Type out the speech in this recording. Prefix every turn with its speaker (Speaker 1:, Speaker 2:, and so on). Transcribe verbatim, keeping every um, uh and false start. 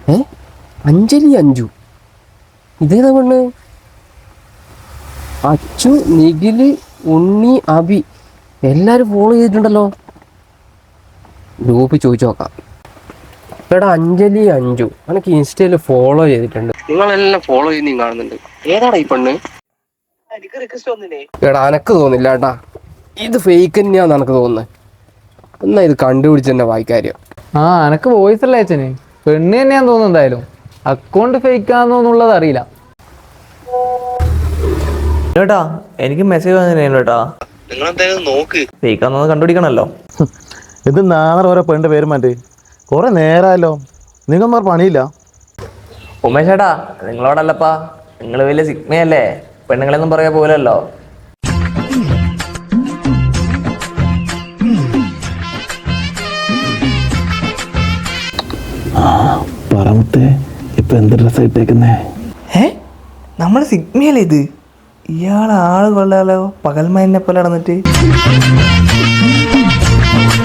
Speaker 1: ഏ അഞ്ജലി അഞ്ജു ഇതേതാ പെണ്ണ്? അച്ചു, നിഖില്, ഉണ്ണി, അബി എല്ലാരും ഫോളോ ചെയ്തിട്ടുണ്ടല്ലോ. ഗ്രൂപ്പ് ചോദിച്ചു നോക്കാം. എടാ അഞ്ജലി അഞ്ജു എനിക്ക് ഇൻസ്റ്റയിൽ ഫോളോ ചെയ്തിട്ടുണ്ട്. നിങ്ങളെല്ലാം ഫോളോ ചെയ്ത് നീ കാണുന്നുണ്ട്. ഏതാടാ ഈ പെണ്ണ്? എടാ എനക്ക് തോന്നില്ല ഏട്ടാ, ഇത് ഫേക്ക് തന്നെയാന്ന് എനക്ക് തോന്നുന്നത്. എന്നാ ഇത് കണ്ടുപിടിച്ച് തന്നെ വായിക്കാര്യം.
Speaker 2: ആ എനക്ക് വോയിസ് അല്ലേ അച്ഛന്, പെണ്ണ് തന്നെയാന്ന് തോന്നുന്നു. എന്തായാലും അക്കൗണ്ട് ഫേക്ക് ആണെന്നുള്ളത് അറിയില്ല
Speaker 3: ചേട്ടാ. എനിക്ക് മെസ്സേജ് വന്നിരുന്നു കേട്ടാ.
Speaker 1: നിങ്ങൾ എന്തായാലും നോക്ക്,
Speaker 3: ഫേക്ക് ആണെന്ന് കണ്ടുപിടിക്കണല്ലോ.
Speaker 4: ഇത് നാളെ ഓരോ പെണ്ണിന്റെ പേരും മാറ്റി കുറെ നേരമല്ലോ. നിങ്ങൾമാർ പണിയില്ല.
Speaker 3: ഉമേഷ് ചേട്ടാ, നിങ്ങളോടല്ലപ്പാ, നിങ്ങൾ വലിയ സിഗ്മയല്ലേ, പെണ്ണുങ്ങളെന്നും പറയാ പോലല്ലോ.
Speaker 4: പറമത്തെ ഇപ്പൊ എന്ത് ഡ്രസ്സാ ഇട്ടേക്കുന്നേ?
Speaker 3: ഏ നമ്മൾ സിഗ്മയല്ലേ ഇത്? ഇയാൾ ആള് കൊള്ളാലോ, പകൽമയനെ പോലെ നടന്നിട്ട്.